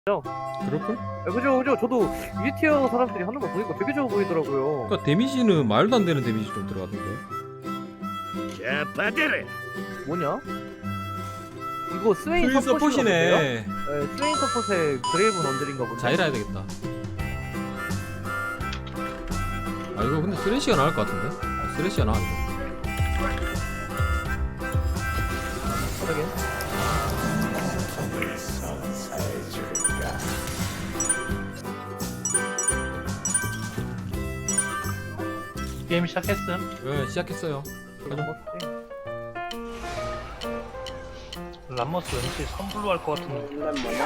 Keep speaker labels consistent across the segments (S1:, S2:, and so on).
S1: 그럴걸?
S2: 그죠 그죠. 저도 위티어 사람들이 하는 거 보니까 되게 좋아 보이더라고요.
S1: 그니까 데미지는 말도 안 되는 데미지 좀 들어가던데.
S3: 자, 받아라.
S2: 뭐냐? 이거 스웨인
S1: 스윈
S2: 서폿이네.
S1: 서폿이네.
S2: 스웨인 서폿의 그레이브 언들인가 보네.
S1: 자이라 해야 되겠다. 아 이거 근데 쓰레쉬가 나을 것 같은데? 아, 쓰레쉬가 나아 이거.
S2: 그러게.
S4: 게임 시작했음.
S1: 네, 시작했어요. 가자.
S4: 람머스 왠지 선불로 할 것 같은데.
S5: 일단 뭐냐?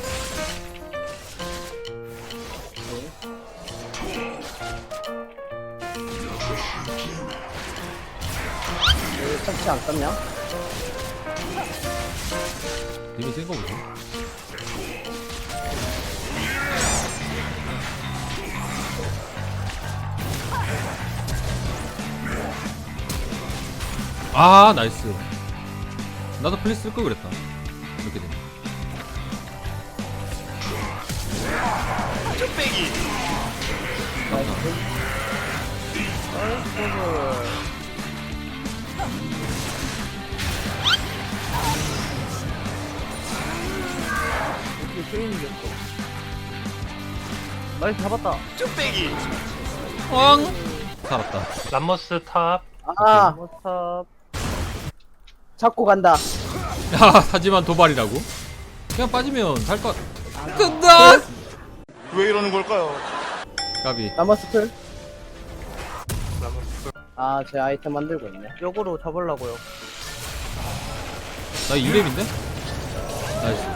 S5: 왜 착취 안 떴냐?
S1: 데미 센거 보죠. 아 나이스. 나도 플리스 쓸 걸 그랬다. 이렇게 되네.
S3: 쭈빼기.
S1: 감사합니다.
S2: 이게 스웨인 이겼어. 나이스 잡았다.
S3: 쭈빼기.
S1: 왕 살았다.
S4: 람머스 탑.
S5: 아,
S2: 모탑.
S5: 잡고 간다.
S1: 야 하지만 도발이라고? 그냥 빠지면 살 것. 끈다.
S3: 왜 이러는 걸까요?
S1: 까비.
S5: 나머스 풀.
S4: 람머스.
S5: 아, 제 아이템 만들고 있네.
S2: 역으로 잡으려고요.
S1: 나 2렙인데? 나이스.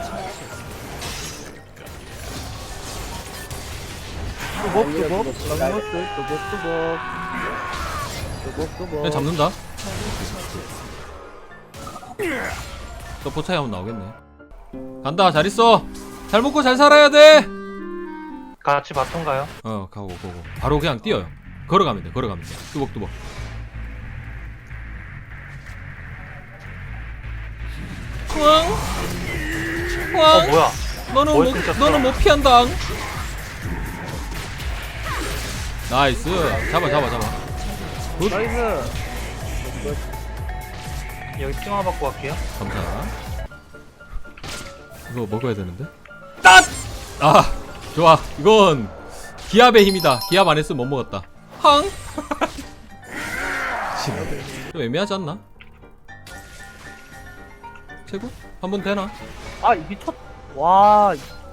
S2: 뚜벅뚜벅. 랑머스 뚜벅뚜벅. 뚜벅뚜벅.
S1: 그냥 잡는다. 또 포차이 한번 나오겠네. 간다. 잘 있어. 잘 먹고 잘 살아야 돼.
S4: 같이 바통 가요.
S1: 가고. 바로 그냥 뛰어요. 걸어가면 돼. 뚜벅뚜벅. 황.
S4: 뭐야? 뭘 끊겼어?
S1: 너는 못 피한다. 나이스. 잡아. 굿.
S2: 나이스.
S4: 여기 핑화 받고 갈게요.
S1: 감사. 이거 먹어야 되는데. 딱. 아, 좋아. 이건 기압의 힘이다. 기압 안 했으면 못 먹었다. 황. 좀 애매하지 않나? 최고? 한번 되나?
S2: 아 미쳤. 와.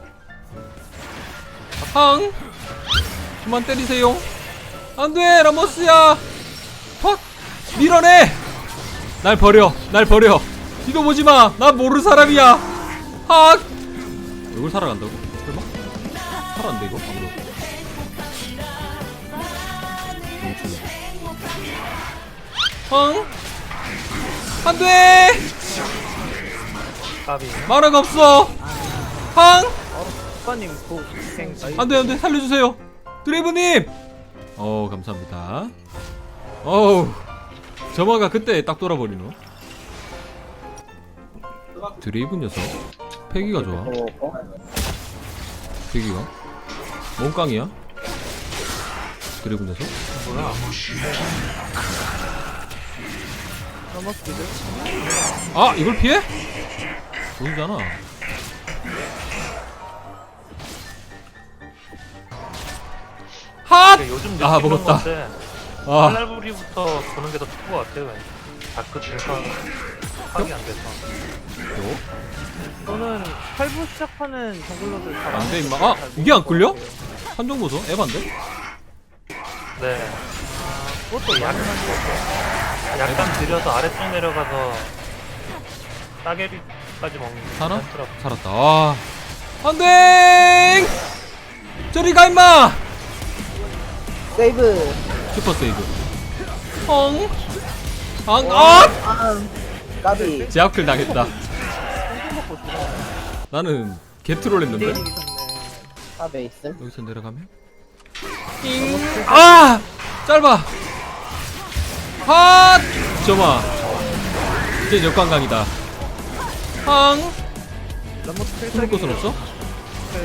S1: 황. 그만 때리세요. 안돼 라모스야. 팍. 밀어내. 날 버려. 뒤도 보지마. 나 모르는 사람이야. 학. 이걸 살아간다고? 설마? 살아간대 이거? 아무도. 황. 안돼.
S4: 까비.
S1: 만화가 없어. 황.
S2: 국가님 고생.
S1: 안돼 살려주세요. 드레이브님. 감사합니다. 어우 점화가 그때 딱 돌아버리노. 드레이브 녀석 패기가 좋아. 패기가 몸깡이야. 드레이브 녀석.
S4: 뭐야?
S2: 랑머스들.
S1: 아 이걸 피해? 보이잖아. 핫!
S4: 요즘 느끼는
S1: 아, 먹었다.
S4: 건데
S1: 아
S4: 칼날부리부터 보는 게 더 좋은 것 같아요. 왠지. 다크 질서 파악이 안 돼서.
S2: 저는 8부 시작하는 정글러들 잘
S1: 안 돼, 임마.
S2: 잘
S1: 아, 이게 안 끌려?
S2: 것 같아요.
S1: 한정 보소 에반데?
S4: 네.
S2: 그것도
S4: 약간, 약간 들여서 아래쪽 내려가서 따개비까지 먹는 게
S1: 사나?
S4: 괜찮더라고.
S1: 살았다. 아 안돼. 저리 가 임마.
S5: 세이브.
S1: 슈퍼 세이브. 엉. 아!
S5: 까비.
S1: 제압클 당했다. 나는 개트롤 했는데.
S5: 탑에 있음.
S1: 여기서 내려가면 아! 짧아. 핫! 점아. 이제 역관광이다. 황.
S2: 람머스
S1: 숨을 곳은 없어?